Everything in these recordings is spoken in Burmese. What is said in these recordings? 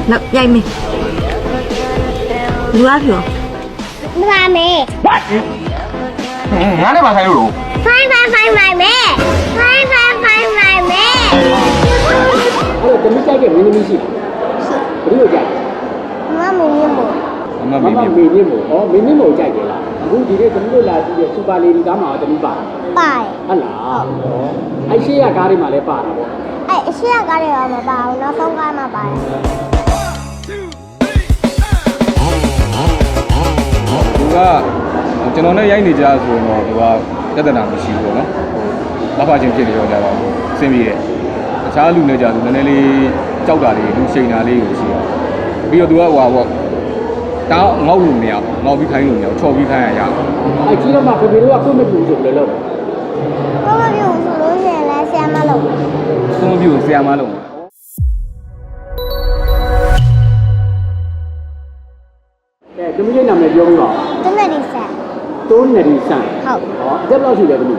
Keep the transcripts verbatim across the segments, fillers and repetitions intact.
လောက်ရိုက်မေးလူအားပြောမပါမေ What ငါနဲ့မဆိုင်လို့ Fine fine fine my မေ Fine fine fine my မေအဲ့တော့တမိကြိုက်တဲ့မင်းသမီးရှိဘယ်လိုကြိုက်မမမင်းမို့မမမေမမေမေမြင့်မို့ဩမင်းမြင့်မို့ကြိုက်တယ်လားအခုဒီနေ့တမိတို့လာကြည့်ရစူပါလေဒီကားမှာတမိပါပိုင်ဟုတ်လားအဲ့ရှေ့ရကားတွေမှာလည်းပါတာပေါ့အဲ့အရှိရကားတွေတော့မပါဘူးနောက်ဆုံးကားမှပါတယ်သူကကျွန်တော်နဲ့ရိုက်နေကြဆိုရင်တော့သူကပြဿနာမရှိဘူးပေါ့နော်ဟိုဘာဖချင်းဖြစ်နေတော့ကြတော့အဆင်ပြေတယ်တခြားလူနဲ့ကြသူနည်းနည်းလေးကြောက်တာလေးလူရှိန်တာလေးကိုရှိတယ်ပြီးတော့သူကဟိုပါပေါ့တောင်းငေါ့လို့မရဘူးငေါ့ပြီးခိုင်းလို့မရဘူးချော်ပြီးခိုင်းရရအောင်အဲ့ကြီးတော့မှဖေဖေတို့ကကိုယ့်မပူဆိုလို့လို့ဘာမပြုတ်ဆိုလို့ရှိရင်လည်းဆရာမလုပ်သုံးပြူဆရာမလုံးအဲတမိရဲ့နာမည်ပြောပြီးပါတမက်ဒီဆက်တိုးနေဒီဆန်ဟုတ်ဟောအသက်ဘယ်လောက်ရှိလဲတမိငါ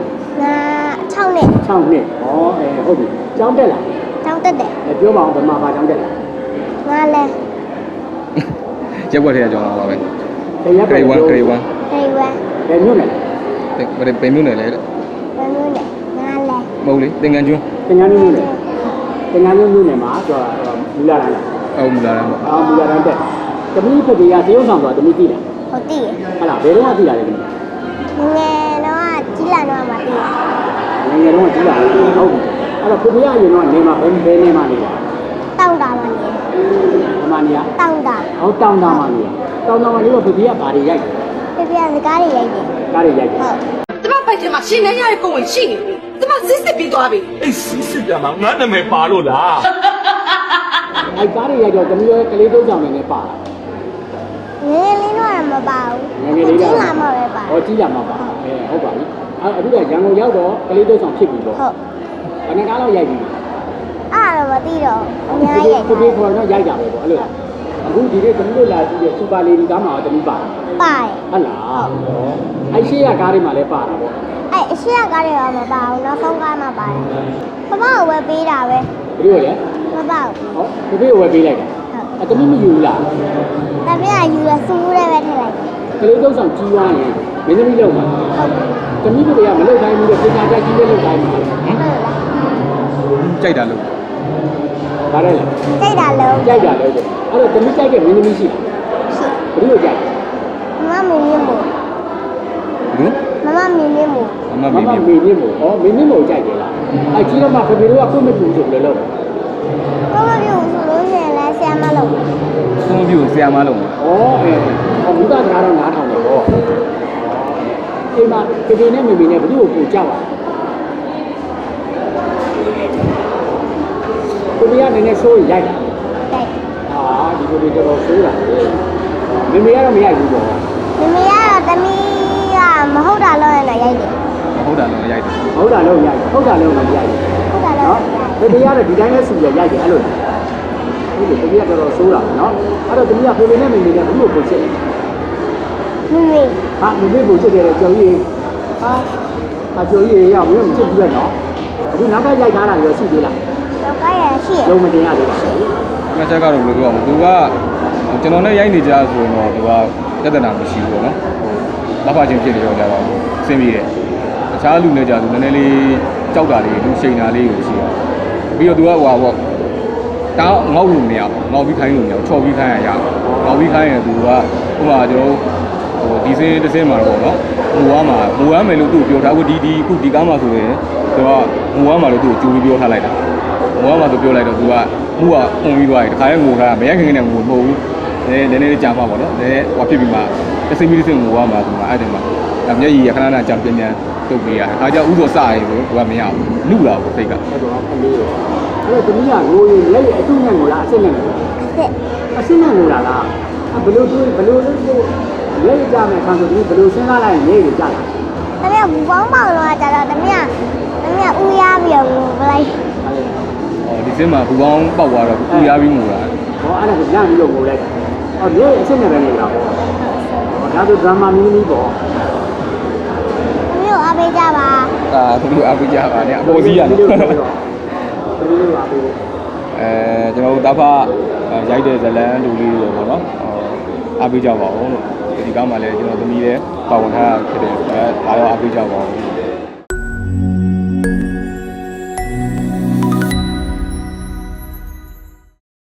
6နှစ် 6နှစ်ဟောအဲဟုတ်ပြီကျောင်းတက်လာတောင်းတက်တယ်အဲပြောပါအောင်ဗမာဘာကျောင်းတက်လာငါလည်းရက်ွက်ထဲအကြောင်းတော့ပါပဲတရက်ဂရိတ်ဝမ်ဂရိတ်ဝမ်ဟိုင်ဝဲဘယ်မြို့နယ်လဲဘယ်ဘယ်မျိုးနယ်လဲတဲ့ဘယ်မျိုးလဲငါလည်းမဟုတ်လေသင်္ကန်းကျွန်းတင်ငန်းမြို့နယ်တင်ငန်းမြို့နယ်မှာဆိုတော့မူလာရန်လားအော်မူလာရမ်းပေါ့အာမူလာရန်တက်တမိဖေဖေကတရုတ်ဆောင်ဆိုတမိသိလားဟုတ်တည်ဟလာဘယ်တော့မှသိလာလဲတမိငယ်တော့ကြီးလာတော့မှတည်ငယ်ငယ်တော့ကြီးလာတယ်ဟုတ်ပြီအဲ့တော့ဖေဖေကအရင်တော့နေမှာဘယ်ဘယ်နေမှာနေတာတောင်းတာမှနေအမနီယာတောင်းတာဟောတောင်းတာမှာနေတာတောင်းတာမှာနေတော့ဖေဖေကဘာတွေရိုက်တယ်ပြပြစကားတွေရိုက်တယ်ကားတွေရိုက်တယ်ဟုတ်ကျမပိုက်ထဲမှာရှင်နေရတဲ့ကိုယ်ဝင်ရှိနေပြီကျမစစ်စစ်ပြီးသွားပြီအေးစီးစစ်ပြမှာငါနာမည်ပါလို့လားအဲ့ကားတွေရိုက်တော့တမိရဲ့ကလေးတုံးဆောင်နေနေပါလားငယ်လေးတော့မပါဘူးကြီးလာမှပဲပါဟောကြီးလာမှာပါအဲဟုတ်ပါပြီအဲ့အခုကရန်ကုန်ရောက်တော့ကလေးတုံးဆောင်ဖြစ်ပြီပေါ့ဟုတ်ဘယ်နှကားလောက်ရိုက်ပြီအဲ့တော့မသိတော့အများကြီးရိုက်ဖေဖေခေါ်တော့ရိုက်တာပဲပေါ့အဲ့လိုအခုဒီနေ့တမိတို့လာကြည့်ရစူပါလေဒီကားမှာတမိပါပိုင်ဟုတ်လားအဲ့ရှေ့ရကားတွေမှာလည်းပါတာပေါ့အဲ့အရှိရကားတွေတော့မပါဘူးနောက်ဆုံးကားမှပါတယ်ပပကိုဝယ်ပေးတာပဲဘယ်လိုလဲမပါဘူးဟောဖေဖေဝယ်ပေးလိုက်တာအဲ့တမိမယူဘူးလားတပြည့်ယူရစူးရဲပဲထည့်လိုက်တယ်ကလေးတုံးဆောင်ကြီးသွားရင်မင်းသမီးလောက်မှာဟုတ်ပြီတမိတို့ကမလောက်တိုင်းဘူးလေပညာတတ်ကြီးလေးလောက်တိုင်းမှာဟုတ်လားကြိုက်တာလို့ဒါလည်းကြိတ်တာလုံးကြိုက်တာလည်းအဲ့တော့တမိကြိုက်တဲ့မင်းသမီးရှိရှိဘယ်လိုကြိုက်မမမင်းမင်းမို့ဘူးမမမင်းမင်းမို့အမမမေမမေမေမြင့်မို့ဩမင်းမြင့်မို့ကြိုက်တယ်လားအဲ့ကြီးတော့မှဖေဖေတို့ကကိုယ့်မပူဆိုလို့လို့ဘာမပြုတ်ဆိုလို့ရှိရင်လည်းဆရာမလုပ်သုံးပြူဆရာမလုံးဩအဲဟောဘုရားတရားတော်နားထောင်တယ်ပေါ့အိမ်မှာဖေဖေနဲ့မေမေနဲ့ဘယ်လိုကိုကြောက်อ่ะဖေဖေကနည်းနည်းဆိုးရိုက်တာကြိုက်ဟာဒီလိုတွေတော်တော်ဆိုးတာမေမေကတော့မရိုက်ဘူးပေါ့မမေကတော့တမီးကမဟုတ်တာလို့လည်းရိုက်တယ်ဟုတ်တာတော့ရိုက်တယ်ဟုတ်တာလုံးရိုက်ဟုတ်တာလုံးမရိုက်ဘူးဟုတ်တာလို့နော်ဖေဖေကတော့ဒီတိုင်းနဲ့ဆူရရိုက်တယ်အဲ့လိုဟုတ်တယ်ဖေဖေကတော်တော်ဆိုးတာနော်အဲ့တော့တမီးကဖေဖေနဲ့မေမေနဲ့ဘယ်လိုကိုချစ်မမေဟာမေမေကိုချစ်တယ်ကြော်ကြီးဟာအကျော်ကြီးရောက်မင်းမချစ်ဘူးလေနော်အခုနောက်ကရိုက်ထားတာရောရှိသေးလားတော့ကရရှိရလုံးမတင်ရသေးဘူးငါချက်ကတော့ဘယ်လိုပြောမလဲသူကကျွန်တော်နဲ့ရိုက်နေကြဆိုရင်တော့သူကပြဿနာမရှိဘူးပေါ့နော်ဟိုဘာဖချင်းဖြစ်နေတော့ကြတော့အဆင်ပြေတယ်တခြားလူနဲ့ကြသူနည်းနည်းလေးကြောက်တာလေးလူရှိန်တာလေးကိုရှိတယ်ပြီးတော့သူကဟိုပါပေါ့တောင်းငေါ့လို့မရဘူးငေါ့ပြီးခိုင်းလို့မရဘူးချော်ပြီးခိုင်းရရငေါ့ပြီးခိုင်းရင်သူကဟိုမှာကျွန်တော်ဟိုဒီစင်းတစ်စင်းမှာတော့ပေါ့နော်ဟိုကမှာဟိုကမယ်လို့သူ့ပြောထားဘူးဒီဒီအခုဒီကားမှာဆိုရင်သူကဟိုကမှာလို့သူ့ကိုကြိုးပြီးပြောထားလိုက်တာဟိုကမှာသူပြောလိုက်တော့သူကမှုကပုံပြီးသွားတယ်တခါရဲငိုထားမရခင်နဲ့ငိုမဟုတ်ဘူးနည်းနည်းလေးကြာမှာပေါ့နော်နည်းဟိုဖြစ်ပြီးမှတစ်စိမ့်ပြီးတစ်စိမ့်ငိုရမှာသူကအဲ့တယ်မှာမျက်ရည်ရခဏခဏကြာပြန်ပြန်တုတ်ပေးရတယ်အားကြောင့်ဥသောစရည်ကိုသူကမရဘူးလူလာဘူးစိတ်ကအဲ့တော့ကလေးရောအဲ့တော့တမီးကငိုရင်လက်ရအတုနဲ့ငိုလားအစစ်နဲ့ငိုလားစစ်အစစ်နဲ့ငိုတာလားဘယ်လိုတွေးဘယ်လိုလဲလက်ရကြမယ်ခံဆိုဒီဘယ်လိုစဉ်းစားလိုက်ရင်ရေးရကြလားတမီးကဘူပေါင်းပေါင်းတော့ကြတော့တမီးကတမီးကဦးရပြီးတော့ငိုပလိုက်ဟောဒီစင်းမှာဘူပေါင်းပေါက်သွားတော့ပူရပြီးငိုတာဟောအဲ့ဒါကိုညပြီးတော့ငိုလိုက်ဟောလက်အစစ်နဲ့ပဲငိုတာပေါ့ဟောဒါဆိုဒရမာမီနီပေါ့တမီးကိုအားပေးကြပါအာသူတို့အားပေးကြပါနဲ့အပေါ်စီးရနော်တမီးတို့ပါဘူးအဲကျွန်တော်တို့တာဖရိုက်တဲ့ဇလန်းလူလေးတွေပေါ့နော်အားပေးကြပါဦးလို့ဒီကားမှာလည်းကျွန်တော်သမီးလည်းပါဝင်ထားဖြစ်တယ်အဲဒါတော့အားပေးကြပါဦး